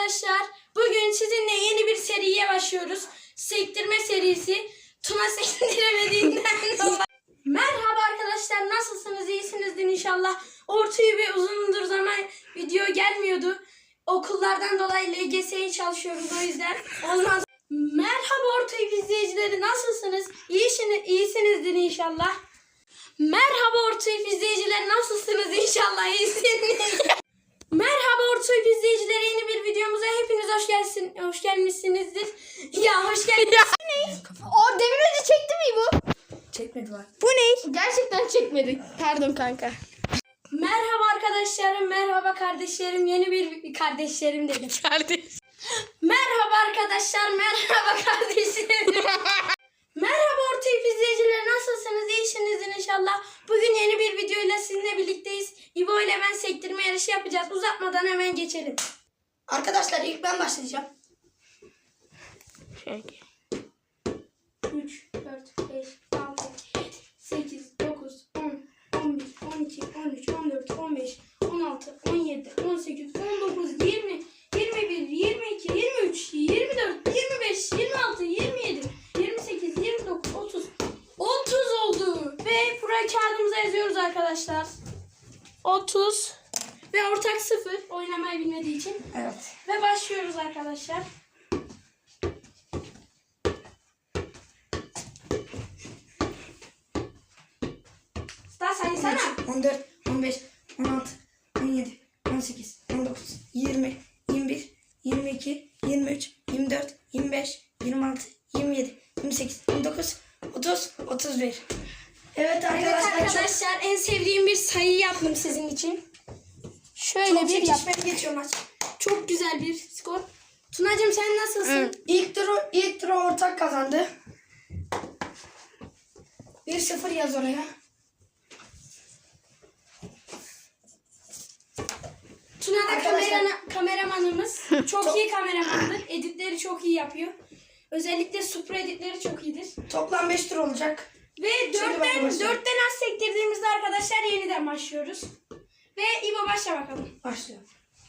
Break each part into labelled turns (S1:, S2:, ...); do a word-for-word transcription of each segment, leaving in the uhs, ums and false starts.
S1: arkadaşlar. Bugün sizinle yeni bir seriye başlıyoruz. Sektirme serisi. Tuna sektiremediğinden dolayı. Merhaba arkadaşlar, nasılsınız? İyisinizdir inşallah. Ortaya bir uzundur zaman video gelmiyordu. Okullardan dolayı L G S'ye çalışıyoruz, o yüzden olmaz. Merhaba Ortaya izleyicileri, nasılsınız? İyisiniz, iyisinizdir inşallah. Merhaba Ortaya izleyicileri, nasılsınız? İnşallah iyisiniz. Merhaba Ortaya izleyicileri, yeni bir videomuza hepiniz hoş gelsin, hoş gelmişsinizdir. Ya hoş geldiniz.
S2: O demin önce çekti mi bu?
S1: Çekmedi var.
S2: Bu ne? Gerçekten çekmedi. Pardon kanka.
S1: Merhaba arkadaşlarım, merhaba kardeşlerim, yeni bir kardeşlerim dedim.
S2: Kardeş.
S1: Merhaba arkadaşlar, merhaba kardeşlerim. Merhaba Ortaya izleyiciler, nasılsınız? İyisinizdir inşallah. Bugün yeni bir videoyla sizinle birlikteyiz. İbo ile ben sektirme yarışı yapacağız. Uzatmadan hemen geçelim.
S3: Arkadaşlar ilk ben başlayacağım.
S1: üç, dört, beş, altı, yedi, sekiz, dokuz, on, on bir, on iki, on üç, on dört, on beş, on altı, on yedi, on sekiz, on dokuz, yirmi, yirmi bir, yirmi iki, yirmi üç, yirmi dört, yirmi beş, yirmi altı, yirmi yedi, yirmi sekiz, yirmi dokuz, otuz. otuz oldu. Ve buraya kağıdımıza yazıyoruz arkadaşlar. otuz. Ve ortak sıfır. Oynamayı bilmediği için.
S3: Evet.
S1: Ve başlıyoruz arkadaşlar. Daha saysana.
S3: on dört, on beş, on altı, on yedi, on sekiz, on dokuz, yirmi, yirmi bir, yirmi iki, yirmi üç, yirmi dört, yirmi beş, yirmi altı, yirmi yedi, yirmi sekiz, yirmi dokuz, otuz, otuz bir. Evet arkadaşlar,
S1: Evet arkadaşlar, en sevdiğim bir sayı yaptım sizin için. Şöyle
S3: çok,
S1: bir
S3: çok
S1: yap.
S3: çekişmeli geçiyor maç.
S1: Çok güzel bir skor. Tunacığım sen nasılsın?
S3: İlk turu, ilk turu ortak kazandı. bir sıfır yaz oraya.
S1: Tuna da
S3: Arkadaşlar-
S1: kamerana, kameramanımız. Çok iyi kameramandır. Editleri çok iyi yapıyor. Özellikle supra editleri çok iyidir.
S3: Toplam beş tur olacak.
S1: Ve
S3: Şimdi ben
S1: dörtten,
S3: başlayayım.
S1: dörtten az sektirdiğimizde arkadaşlar yeniden başlıyoruz. Ve İbo başla bakalım.
S3: Başlıyor.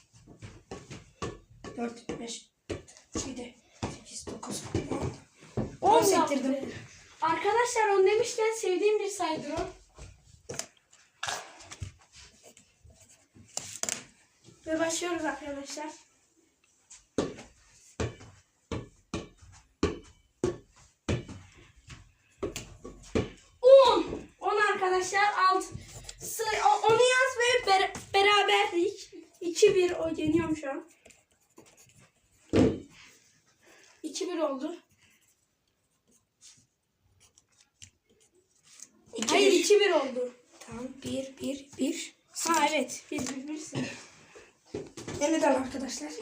S3: dört, beş, yedi, sekiz, dokuz, on. on sektirdim.
S1: yaptı. Arkadaşlar on demişken sevdiğim bir sayıdır o. Ve başlıyoruz arkadaşlar. on. on arkadaşlar. Alt. Onu yaz ve ber beraberlik. iki bir o yeniyorum şu an. iki bir oldu.
S3: İki,
S1: Hayır
S3: bir.
S1: iki bir oldu.
S3: Tamam. bir, bir, bir.
S1: Ha evet. bir bir birsin.
S3: Yeniden arkadaşlar.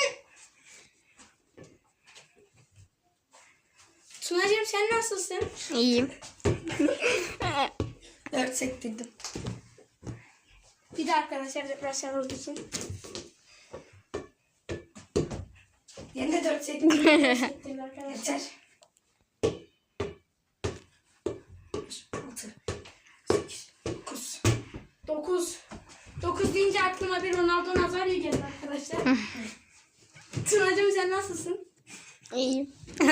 S1: Tunacığım sen nasılsın?
S2: İyiyim.
S3: dört sektirdim.
S1: Bir de arkadaşlar depresyon olduğu için.
S3: Yine de dört sektirdim.
S1: Teşekkürler arkadaşlar.
S3: Yeter. beş, altı, sekiz, dokuz.
S1: dokuz. dokuz deyince aklıma bir Ronaldo Nazario geldi arkadaşlar. Tunacığım sen nasılsın?
S2: İyiyim.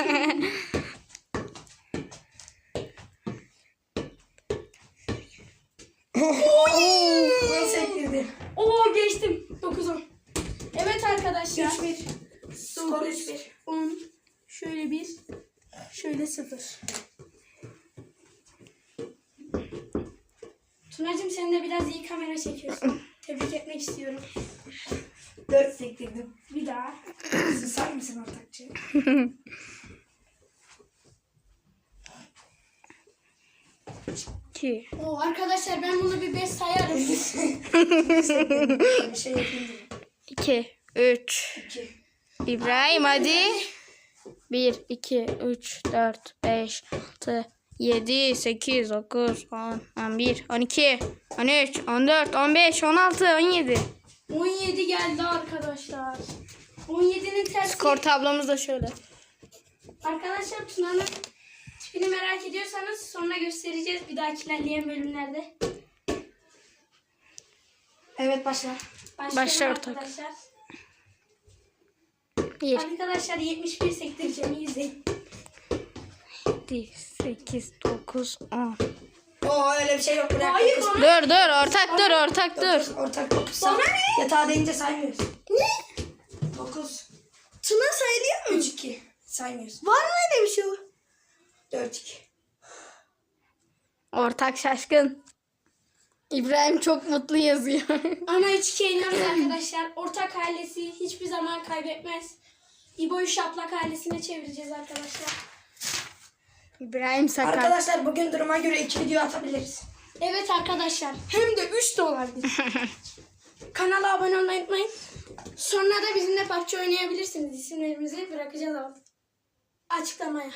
S3: on sektirdim.
S1: Oo geçtim. dokuz on. Evet arkadaşlar.
S3: üç bir. Skor üç bir.
S1: on. Şöyle bir. Şöyle sıfır. Tunacığım sen de biraz iyi kamera çekiyorsun. Tebrik etmek istiyorum.
S3: dört sektirdim.
S1: Bir daha.
S3: Susar mısın ortakçı?
S2: iki.
S1: Oo arkadaşlar ben bunu bir beş sayarım.
S3: Bir şey yapayım dedim.
S2: iki. üç.
S3: iki.
S2: İbrahim hadi. bir, iki, üç, dört, beş, altı, yedi, sekiz, dokuz, on, on bir, on iki, on üç, on dört, on beş, on altı, on yedi.
S1: on yedi geldi arkadaşlar. on yedinin tersi.
S2: Skor tablomuz da şöyle.
S1: Arkadaşlar Tuna'nın tipini merak ediyorsanız sonra göstereceğiz bir dahaki ilerleyen bölümlerde.
S3: Evet başla.
S1: Başlayalım
S2: Başla ortak.
S1: arkadaşlar.
S2: bir,
S1: Arkadaşlar yetmiş bir sektireceğim. İyi izleyin.
S2: yedi, sekiz, dokuz, on.
S3: Oo öyle bir şey yok. Bırak.
S1: Hayır,
S3: dokuz.
S1: bana-
S2: Dur dur ortak dur ortak dur.
S3: Dokuz, ortak dokuz.
S1: Bana ne?
S3: Yatağa deyince saymıyoruz.
S1: Ne?
S3: dokuz.
S1: Tuna sayılıyor mu?
S3: üç iki. Saymıyoruz.
S1: Var mı öyle bir şey?
S3: dört iki.
S2: Ortak şaşkın. İbrahim çok mutlu yazıyor.
S1: Ama üç ikiye iniyoruz arkadaşlar. Ortak ailesi hiçbir zaman kaybetmez. İbo'yu şaplak ailesine çevireceğiz arkadaşlar.
S2: İbrahim sakat.
S3: Arkadaşlar bugün duruma göre iki video atabiliriz.
S1: Evet arkadaşlar. Hem de üç de olabilir. Kanala abone olmayı unutmayın. Sonra da bizimle P U B G oynayabilirsiniz. İsimlerimizi bırakacağız alt açıklamaya.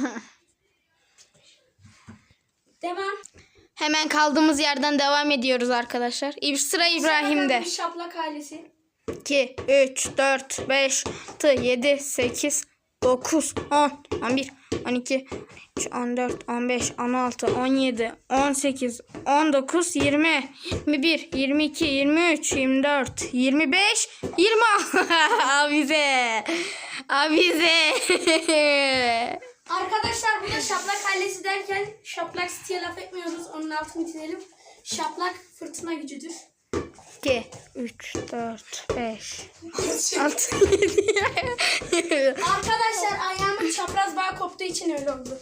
S1: Devam.
S2: Hemen kaldığımız yerden devam ediyoruz arkadaşlar. İb- Sıra İbrahim'de.
S1: Bir şaplak ailesi.
S2: iki, üç, dört, beş, altı, yedi, sekiz, dokuz, on, on bir, on iki, on üç, on dört, on beş, on altı, on yedi, on sekiz, on dokuz, yirmi, yirmi bir, yirmi iki, yirmi üç, yirmi dört, yirmi beş, yirmi. Abize. Abize.
S1: Arkadaşlar burada şaplak ailesi derken şaplak City'ye laf etmiyoruz. Onun altını çizelim. Şaplak fırtına gücüdür.
S2: iki, üç, dört, beş, altı, yedi.
S1: Arkadaşlar ayağımın çapraz bağ koptuğu için öyle oldu.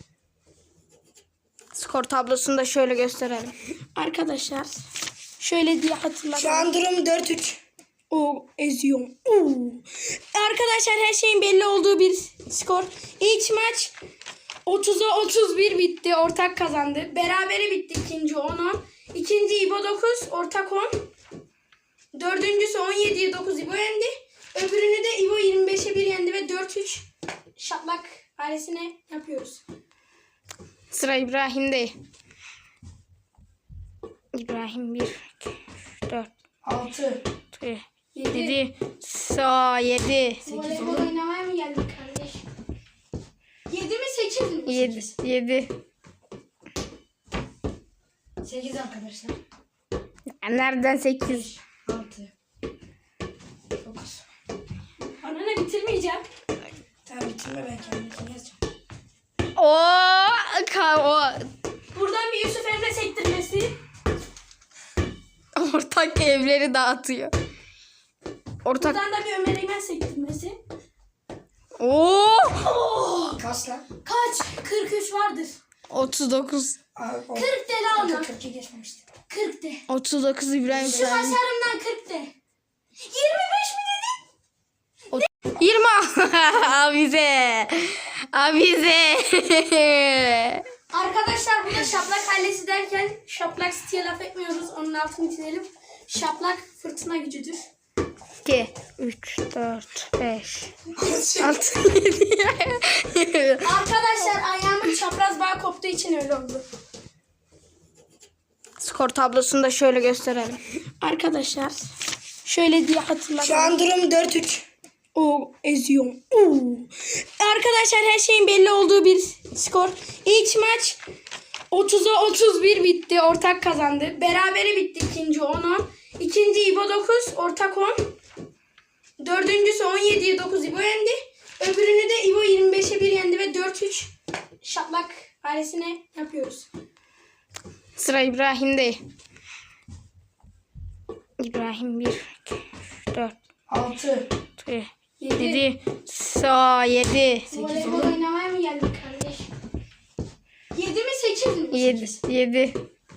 S2: Skor tablosunu da şöyle gösterelim.
S1: Arkadaşlar şöyle diye hatırladım.
S3: Şu an durum dört üç.
S1: O eziyorum. Oo. Arkadaşlar her şeyin belli olduğu bir skor. İlk maç otuza otuz bir bitti. Ortak kazandı. Berabere bitti ikinci on on. İkinci İbo dokuz. Ortak on. Dördüncüsü on yediye dokuz İbo yendi. Öbürünü de İbo yirmi beşe bir yendi ve dört üç şaplak ailesine yapıyoruz.
S2: Sıra İbrahim'de. İbrahim bir, iki, üç, dört,
S3: altı.
S2: yedi, sa yedi,
S1: Voleybol oynamaya mı geldik kardeş? yedi mi sekiz mi?
S2: yedi, yedi.
S3: sekiz arkadaşlar.
S2: Nereden sekiz?
S3: altı. dokuz.
S1: Bana ne bitirmeyeceğim.
S3: Tamam bitirme ben kendimi yazacağım.
S2: O ka o
S1: Buradan bir Yusuf Emre sektirmesi.
S2: ortak evleri dağıtıyor. Ortak.
S1: Buradan da bir Ömer Eymen sektirmesi.
S2: Oo!
S3: Kaç lan?
S1: Kaç? kırk üç vardır.
S2: otuz dokuz.
S3: Aa, o-
S1: kırk de la ona.
S3: kırk iki geçmemişti.
S1: kırk de.
S2: otuz dokuz İbrahim
S1: Şu
S2: saydı.
S1: başarımdan kırk de. yirmi beş mi dedin?
S2: yirmi. Abize. Abize.
S1: Arkadaşlar burada şaplak ailesi derken şaplak City'ye laf etmiyoruz. Onun altını çizelim. Şaplak fırtına gücüdür.
S2: iki, üç, dört, beş, altı, yedi.
S1: Arkadaşlar ayağımın çapraz bağ koptuğu için öyle oldu.
S2: Skor tablosunu da şöyle gösterelim.
S1: Arkadaşlar şöyle diye hatırladım.
S3: Şu an durum dört üç.
S1: O eziyorum. Oo. Arkadaşlar her şeyin belli olduğu bir skor. İlk maç otuza otuz bir bitti. Ortak kazandı. Berabere bitti ikinci on on. İkinci İbo dokuz. Ortak on. Dördüncüsü on yediye dokuz İbo yendi. Öbürünü de İbo yirmi beşe bir yendi ve dört üç şaplak ailesine yapıyoruz.
S2: Sıra İbrahim'de. İbrahim bir, iki, üç, dört,
S3: altı.
S2: yedi, sa yedi,
S1: Voleybol oynamaya mı geldik kardeş? yedi mi sekiz mi?
S2: yedi, yedi.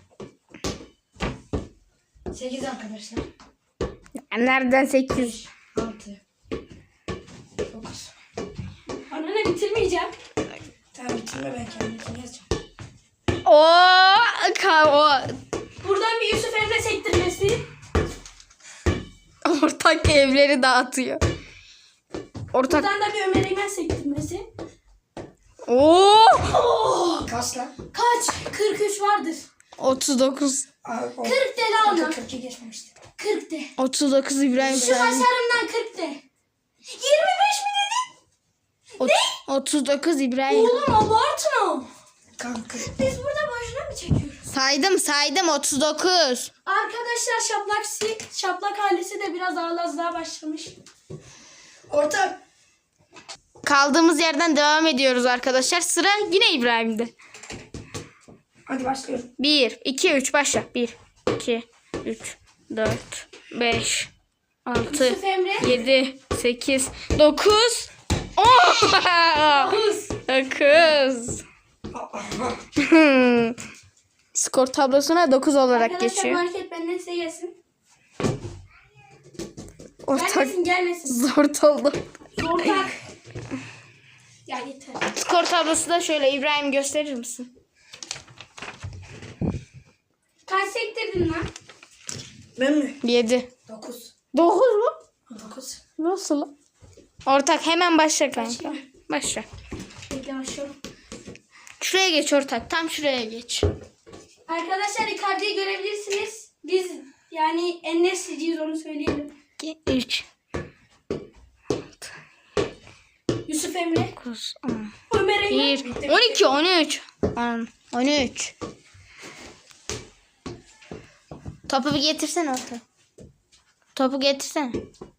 S3: sekiz arkadaşlar.
S2: Nereden sekiz?
S3: altı. dokuz.
S1: Bana ne bitirmeyeceğim.
S3: Tamam bitirme ben kendimi yazacağım.
S2: O ka o
S1: Buradan bir Yusuf Emre sektirmesi.
S2: ortak evleri dağıtıyor. Ortak.
S1: Buradan da bir Ömer Eymen sektirmesi.
S2: Oo!
S3: Kaç lan?
S1: Kaç? kırk üç vardır.
S2: otuz dokuz.
S3: Aa, o-
S1: kırk de la ona.
S3: kırk iki geçmemişti.
S1: kırk de.
S2: otuz dokuz İbrahim
S1: Şu
S2: saydı.
S1: başarımdan kırk de. yirmi beş mi dedin?
S2: Ot- otuz dokuz İbrahim.
S1: Oğlum abartma.
S3: Kanka.
S1: Biz burada boşuna mı çekiyoruz?
S2: Saydım saydım otuz dokuz.
S1: Arkadaşlar şaplak, si- şaplak ailesi de biraz ağlazlığa başlamış.
S3: Ortak
S2: Kaldığımız yerden devam ediyoruz arkadaşlar. Sıra yine İbrahim'de.
S3: Hadi başlıyorum.
S2: bir, iki, üç başla. bir, iki, üç, dört, beş, altı,
S1: Yusuf Emre.
S2: yedi, sekiz, dokuz, on.
S1: Dokuz.
S2: dokuz. Skor tablosuna dokuz olarak
S1: Arkadaşlar
S2: geçiyor.
S1: market benden size gelsin.
S2: Ortak
S1: Gelmesin gelmesin.
S2: zor oldu.
S1: Ortak. Ya yeter.
S2: Skor tablosu da şöyle. İbrahim gösterir misin?
S1: Kaç sektirdin lan?
S3: Ben mi?
S2: yedi.
S3: Dokuz.
S2: dokuz mu?
S3: Dokuz.
S2: Nasıl? Ortak hemen başla kanka. Başla.
S1: Bekle başlıyorum.
S2: Şuraya geç ortak. Tam şuraya geç.
S1: Arkadaşlar Icardi'yi görebilirsiniz. Biz yani en nesliciyiz onu söyleyelim.
S2: iki, üç,
S1: Yusuf Emre.
S2: dokuz, on,
S1: Ömer Eymen.
S2: bir, on iki, on üç, on, on üç. Topu bir getirsene orta. Topu getirsene.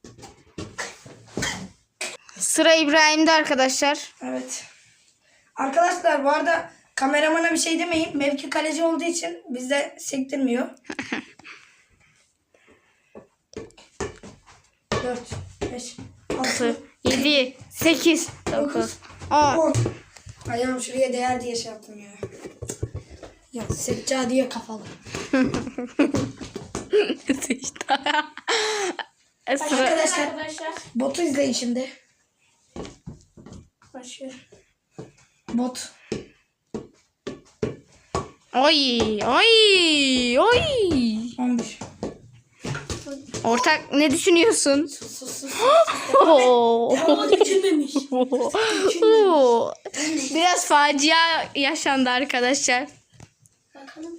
S2: Sıra İbrahim'de arkadaşlar.
S3: Evet. Arkadaşlar bu arada kameramana bir şey demeyin. Mevki kaleci olduğu için bizde sektirmiyor. Dört, beş, altı,
S2: yedi, sekiz, dokuz, on.
S3: on. Ayağım şuraya değer diye şey yaptım ya. Ya seccadiye kafalı.
S2: Sıra.
S3: Arkadaşlar
S1: Arkadaşlar.
S3: botu izleyin şimdi.
S1: Başlıyorum.
S3: Bot.
S2: Oy, oy, oy.
S3: on bir.
S2: Ortak ne düşünüyorsun?
S3: Sus sus sus.
S2: Oo.
S3: Hava küçülmemiş.
S2: Oo. Biraz facia yaşandı arkadaşlar.
S1: Bakalım.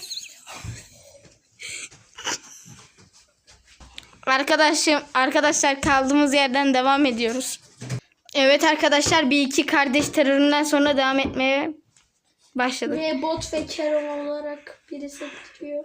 S2: Arkadaşım, arkadaşlar kaldığımız yerden devam ediyoruz. Evet arkadaşlar bir iki kardeş teröründen sonra devam etmeye başladık.
S1: Ve bot ve Kerem olarak biri sektiriyor.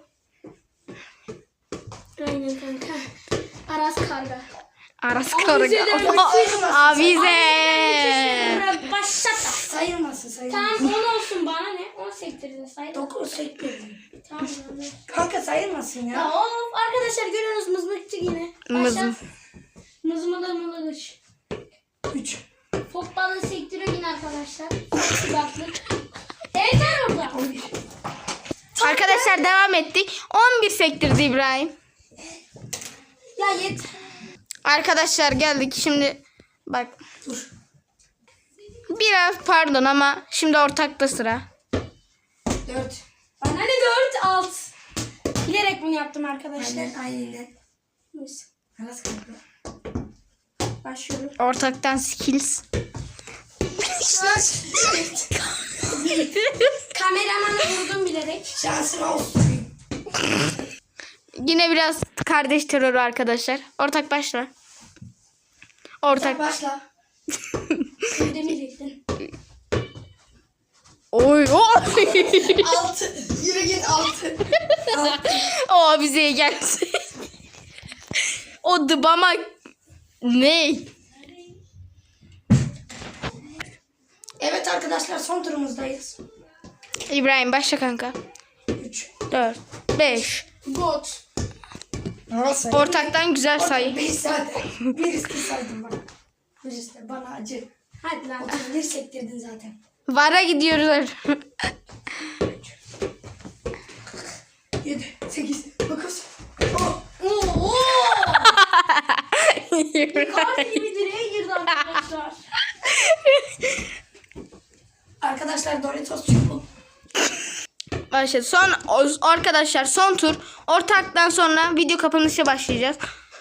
S1: Aynen kanka. Aras Karga.
S2: Aras
S1: Avize
S2: Karga.
S1: de öyle
S2: Avize.
S1: Başlat.
S3: Sayılmasın sayılmasın.
S1: Tamam on olsun bana ne? on sektirdin sayın.
S3: Dokuz sektirdim.
S1: Tamam abi.
S3: Kanka sayılmasın
S1: Ya
S3: ya.
S1: of arkadaşlar görüyorsunuz mızmıkçı yine.
S2: Mızm.
S1: Başlat. Mızmıda mılıgış.
S3: Üç.
S1: Fok balığı sektiriyor yine arkadaşlar. Sıcaklık. Yeter orada.
S3: on bir.
S2: Arkadaşlar devam ettik. on bir sektirdi İbrahim.
S1: Ya yeter.
S2: Arkadaşlar geldik şimdi bak
S3: Dur.
S2: biraz pardon ama şimdi ortakta sıra.
S3: Dört.
S1: Bana ne dört alt. Bilerek bunu yaptım arkadaşlar.
S3: Aynen aynen.
S1: Neyse.
S3: Aras kanka.
S1: Başlıyorum.
S2: Ortaktan skills.
S1: Kameramanı vurdum bilerek.
S3: Şansın olsun.
S2: Yine biraz kardeş terörü arkadaşlar. Ortak başla. Ortak.
S3: Başla.
S1: Demeyecektin.
S2: Oy oy.
S3: Altı. Yürü git altı. Altı.
S2: O bize gelsin. O dıbama ne?
S3: Evet arkadaşlar son turumuzdayız.
S2: İbrahim başla kanka.
S3: Üç.
S2: dört, beş.
S1: Bot.
S3: Nasıl?
S2: Ortaktan güzel sayı.
S3: Beş zaten. Bir üstü saydım bak. Bir üstü bana acı.
S1: Hadi lan.
S3: otuz bir sektirdin zaten.
S2: Vara gidiyoruz.
S3: Yedi. Sekiz. Dokuz. On.
S1: Oo. Icardi gibi direğe girdi arkadaşlar.
S3: Arkadaşlar Doritos çubuğu.
S2: Başladı. Son o- arkadaşlar son tur. Ortaktan sonra video kapanışa başlayacağız.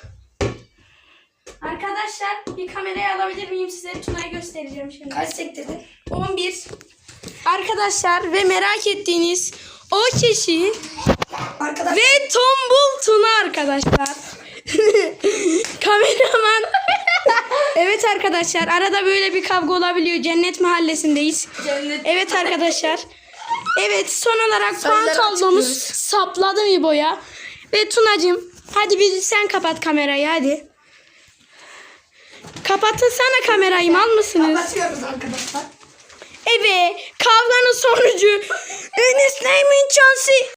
S1: Arkadaşlar bir kamerayı alabilir miyim size? Tuna'yı göstereceğim şimdi.
S3: Kaç sektirdin?
S1: on bir. Arkadaşlar ve merak ettiğiniz o kişi
S3: Arkadaşlar.
S1: ve tombul Tuna arkadaşlar. Kameraman. Evet arkadaşlar arada böyle bir kavga olabiliyor. Cennet mahallesindeyiz.
S3: Cennet.
S1: Evet arkadaşlar. Evet son olarak puan
S3: Sayıları
S1: tablomuz
S3: açıklıyoruz.
S1: sapladı İbo'ya. Ve Tunacığım hadi bir sen kapat kamerayı hadi. Kapatırsana kamerayı, mal mısınız?
S3: Kapatıyoruz arkadaşlar.
S1: Evet, kavganın sonucu